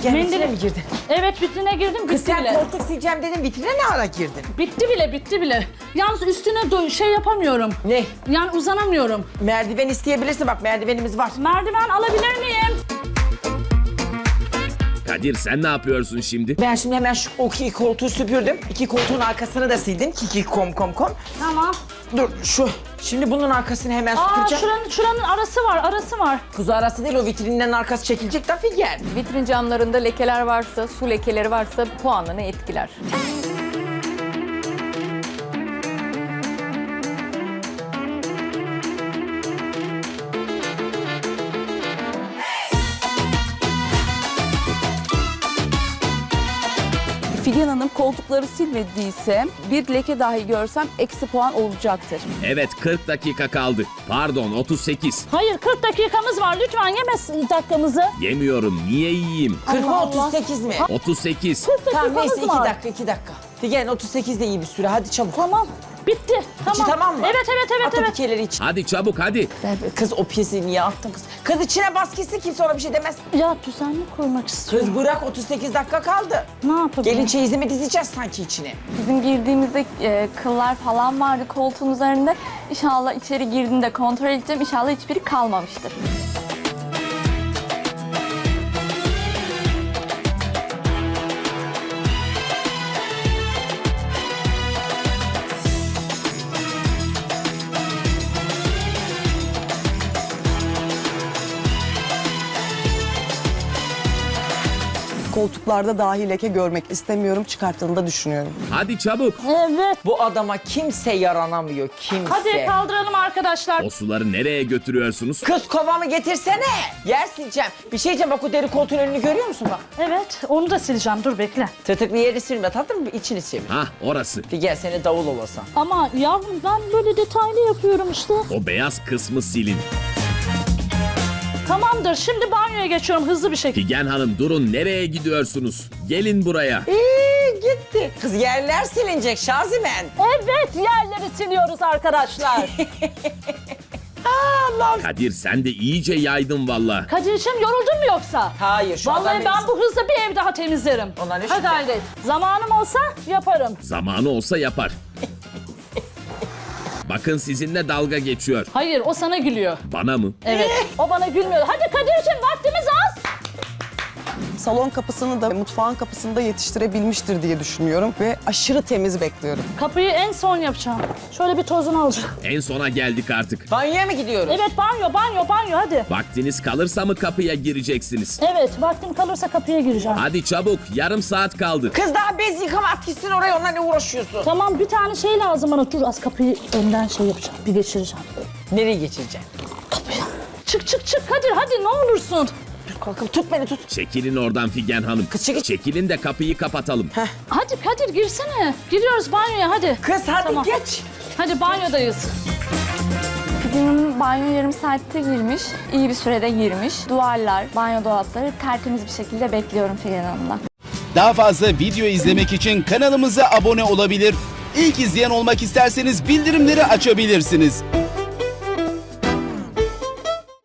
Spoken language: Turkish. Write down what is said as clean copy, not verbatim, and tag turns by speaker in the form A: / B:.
A: Figen vitrine mi girdin?
B: Evet, vitrine girdim,
A: Kız
B: bitti
A: sen
B: bile.
A: koltuk sileceğim dedin, vitrine ne ara girdin?
B: Bitti bile. Yalnız üstüne şey yapamıyorum.
A: Ne?
B: Yani uzanamıyorum.
A: Merdiven isteyebilirsin, bak merdivenimiz var.
B: Merdiven alabilir miyim?
C: Kadir sen ne yapıyorsun şimdi?
A: Ben şimdi hemen şu iki koltuğu süpürdüm. İki koltuğun arkasını da sildim. Kiki kom.
B: Tamam.
A: Dur şu. Şimdi bunun arkasını hemen süpüreceğim.
B: Şuranın arası var.
A: Kuzu arası değil, o vitrinlerin arkası çekilecek da Figen.
D: Vitrin camlarında lekeler varsa, su lekeleri varsa puanını etkiler.
E: Figen Hanım koltukları silmediyse bir leke dahi görsem eksi puan olacaktır.
C: Evet 40 dakika kaldı. Pardon 38.
B: Hayır, 40 dakikamız var. Lütfen yeme dakikamızı.
C: Yemiyorum niye yiyeyim?
A: 40 mı
B: Allah.
A: 38 mi?
C: 38.
B: 40
A: Tamam
B: dakikamız
A: neyse
B: var.
A: 2 dakika. Figen 38 de iyi bir süre, hadi çabuk.
B: Tamam. Bitti.
A: İçi tamam mı?
B: Evet.
A: At o pikeleri iç.
C: Hadi çabuk hadi.
A: Kız o piyesi niye attın kız? Kız içine bas gitsin, kimse ona bir şey demez.
B: Ya düzenli koymak istiyorum.
A: Kız bırak, 38 dakika kaldı.
B: Ne yapabilirim?
A: Gelin çeyizimi dizeceğiz sanki içine.
F: Bizim girdiğimizde kıllar falan vardı koltuğun üzerinde. İnşallah içeri girdiğinde kontrol edeceğim. İnşallah hiçbiri kalmamıştır.
G: Koltuklarda dahi leke görmek istemiyorum. Çıkarttığını da düşünüyorum.
C: Hadi çabuk.
B: Evet.
A: Bu adama kimse yaranamıyor, kimse.
B: Hadi kaldıralım arkadaşlar.
C: O suları nereye götürüyorsunuz?
A: Kız kovamı getirsene. Yer sileceğim. Bir şey diyeceğim, bak o deri koltuğun önünü görüyor musun bak?
B: Evet, onu da sileceğim. Dur bekle.
A: Tırtıklı yeri silme tatlım, içini sil.
C: Hah orası.
A: Figen seni davul olasan.
B: Ama yavrum ben böyle detaylı yapıyorum işte.
C: O beyaz kısmı silin.
B: Tamamdır. Şimdi banyoya geçiyorum hızlı bir şekilde.
C: Figen Hanım durun nereye gidiyorsunuz? Gelin buraya.
A: Gitti. Kız yerler silinecek Şazimen.
B: Evet, yerleri siliyoruz arkadaşlar.
C: Kadir sen de iyice yaydın valla.
B: Kadir'cim yoruldun mu yoksa?
A: Hayır şu
B: Vallahi
A: adam
B: ben bu hızla bir ev daha temizlerim.
A: Onlar ne
B: Hadi
A: şüphe?
B: hayret. Zamanım olsa yaparım.
C: Zamanı olsa yapar. Bakın sizinle dalga geçiyor.
B: Hayır, o sana gülüyor.
C: Bana mı?
B: Evet, o bana gülmüyor. Hadi Kadir'cim vaktimiz az.
G: Salon kapısını da mutfağın kapısını da yetiştirebilmiştir diye düşünüyorum. Ve aşırı temiz bekliyorum.
B: Kapıyı en son yapacağım. Şöyle bir tozunu alacağım.
C: En sona geldik artık.
A: Banyoya mı gidiyoruz?
B: Evet, banyo hadi.
C: Vaktiniz kalırsa mı kapıya gireceksiniz?
B: Evet, vaktim kalırsa kapıya gireceğim.
C: Hadi çabuk yarım saat kaldı.
A: Kız daha bez yıkama, at gitsin oraya, onunla ne uğraşıyorsun?
B: Tamam, bir tane şey lazım bana. Dur az kapıyı önden şey yapacağım. Bir geçireceğim.
A: Nereye geçireceksin?
B: Çık Kadir hadi ne olursun.
A: Dur kalkın, tut beni tut.
C: Çekilin oradan Figen Hanım.
A: Kız çekil.
C: Çekilin de kapıyı kapatalım.
B: Hadi Kadir girsene. Giriyoruz banyoya hadi.
A: Kız hadi
B: Tamam.
A: geç.
B: Hadi banyodayız.
F: Figen'in banyo yarım saatte girmiş. İyi bir sürede girmiş. Duvarlar, banyo dolapları tertemiz bir şekilde bekliyorum Figen Hanım'dan.
H: Daha fazla video izlemek için kanalımıza abone olabilir. İlk izleyen olmak isterseniz bildirimleri açabilirsiniz.